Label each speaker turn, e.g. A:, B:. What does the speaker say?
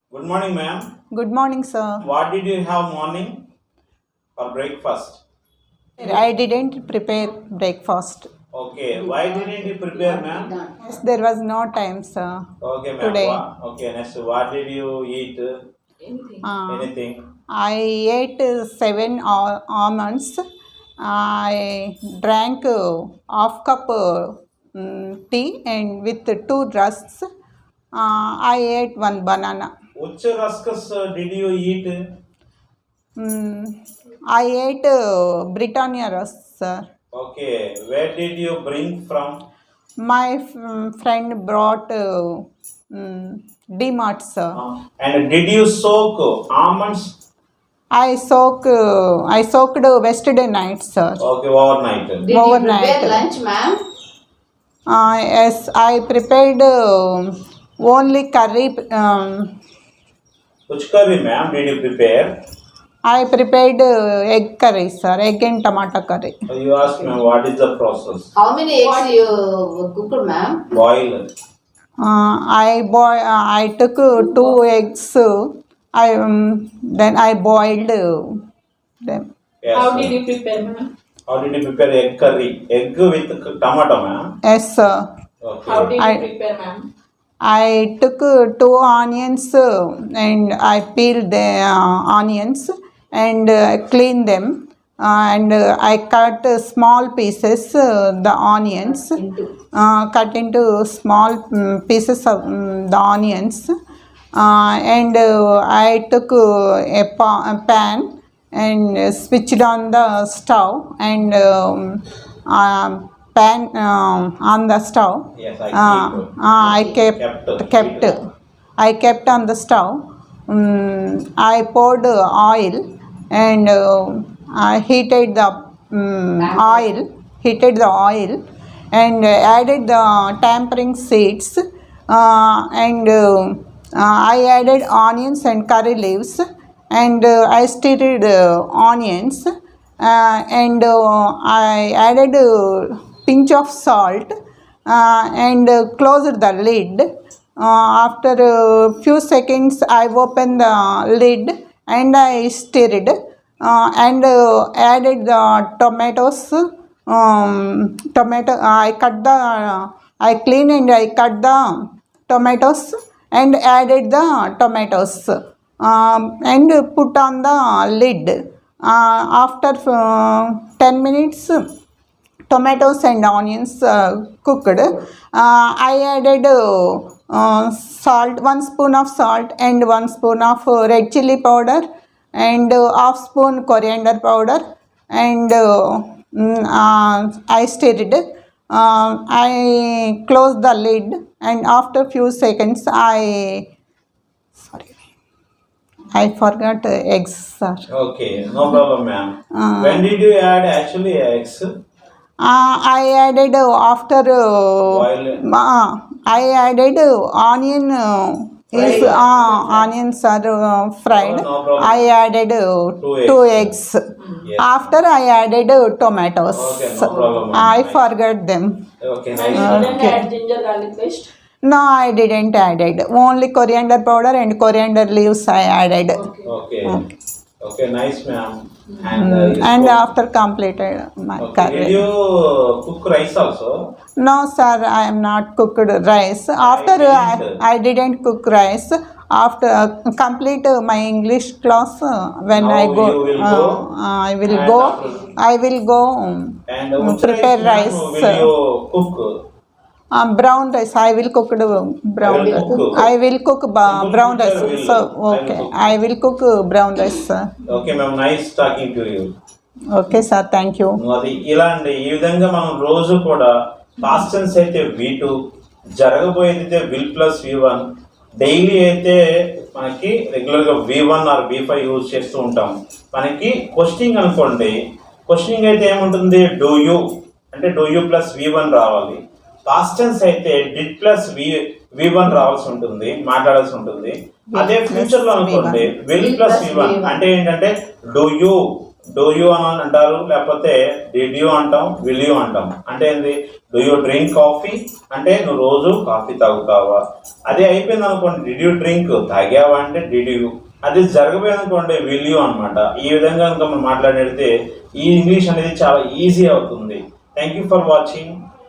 A: Good morning, ma'am.
B: Good morning, sir.
A: What did you have morning for breakfast?
B: I didn't prepare breakfast.
A: Okay, why didn't you prepare, ma'am?
B: Yes, there was no time, sir.
A: Okay, ma'am.
B: Today,
A: Okay, next, what did you eat?
B: uh,
A: Anything?
B: I ate seven almonds. I drank half cup tea and with two rusks. I ate one banana.
A: Which rusks did you eat?
B: I ate Britannia rusks, sir.
A: Okay, where did you bring from?
B: My friend brought D-Mart, sir.
A: And did you soak almonds?
B: I soaked yesterday night, sir.
A: Okay, overnight.
C: Did
B: Overnight.
C: you prepare lunch, ma'am?
B: Yes, I prepared only curry.
A: Which curry, ma'am, did you prepare?
B: I prepared egg curry, sir. Egg and tomato curry.
A: You asked, ma'am, what is the process?
C: How many eggs you cooked, ma'am?
A: Boil.
B: I took two eggs. Then I boiled them.
A: Yes.
D: How did you prepare, ma'am?
A: How did you prepare egg curry? Egg with tomato, ma'am?
B: Yes, sir.
A: Okay.
D: How did you
B: I-
D: prepare, ma'am?
B: I took two onions and I peeled the onions and cleaned them. And I cut small pieces the onions, cut into small pieces of the onions. And I took a pan and switched on the stove and pan on the stove.
A: Yes,
B: I kept on the stove. I poured oil and I heated the oil and added the tampering seeds and I added onions and curry leaves and I stirred onions and I added pinch of salt and closed the lid. After a few seconds, I opened the lid and I stirred and added the tomatoes. I cleaned and I cut the tomatoes and added the tomatoes and put on the lid. After 10 minutes, tomatoes and onions cooked. I added salt, 1 spoon of salt and 1 spoon of red chili powder and half spoon coriander powder and I stirred. I closed the lid and after few seconds I forgot eggs, sir.
A: Okay, no problem, ma'am. When did you add actually eggs?
B: I added after
A: Boil.
B: I added onion. Onions are fried.
A: No problem.
B: I added two eggs.
A: Yes.
B: After I added tomatoes.
A: Okay, no problem, ma'am.
B: I forgot them.
A: Okay,
D: And
A: nice.
D: you didn't
B: Okay.
D: add ginger garlic paste?
B: No, I didn't added. Only coriander powder and coriander leaves I added.
D: Okay.
A: Okay, nice, ma'am. And, you
B: And
A: spoke-
B: after completed my
A: okay.
B: curry.
A: Did you cook rice also?
B: No, sir, I am not cooked rice. After
A: didn't.
B: I didn't cook rice. After complete my English class, when
A: Now
B: I go,
A: you will go
B: I will
A: and
B: go.
A: after-
B: I will go
A: And which
B: prepare
A: rice,
B: rice.
A: ma'am, will you cook?
B: Brown rice. I will cook brown.
A: I will cook.
B: I will cook brown rice.
A: Future will-
B: So
A: I will
B: okay,
A: cook.
B: I will cook brown rice, sir.
A: Okay, ma'am. Nice talking to you.
B: Okay, sir. Thank you.
A: అది ఇలాంటి ఈ విధంగా మనం రోజు కూడా past tense అయితే V2, జరగబోయేది అయితే విల్ ప్లస్ V1, డైలీ అయితే మనకి రెగ్యులర్గా V1 ఆర్ V5 యూజ్ చేస్తూ ఉంటాం. మనకి క్వశ్చనింగ్ అనుకోండి, క్వశ్చనింగ్ అయితే ఏముంటుంది, డూ యూ అంటే డూ యూ ప్లస్ V1 రావాలి. పాస్ట్ టెన్స్ అయితే డిడ్ ప్లస్ V1 రావాల్సి ఉంటుంది, మాట్లాడాల్సి ఉంటుంది. అదే ఫ్యూచర్ లో అనుకోండి విల్ ప్లస్ V1 అంటే ఏంటంటే డూ యూ డూ యూ అని అంటారు, లేకపోతే డిడ్ యూ అంటాం, విల్ యూ అంటాం. అంటే ఏంది, డూ యూ డ్రింక్ కాఫీ అంటే నువ్వు రోజు కాఫీ తాగుతావా. అదే అయిపోయింది అనుకోండి, డిడ్ యూ డ్రింక్ తాగావా అంటే డిడ్ యూ. అది జరగబోయింది అనుకోండి విల్ యూ అనమాట. ఈ విధంగా కనుక మనం మాట్లాడితే ఈ ఇంగ్లీష్ అనేది చాలా ఈజీ అవుతుంది. Thank you for watching.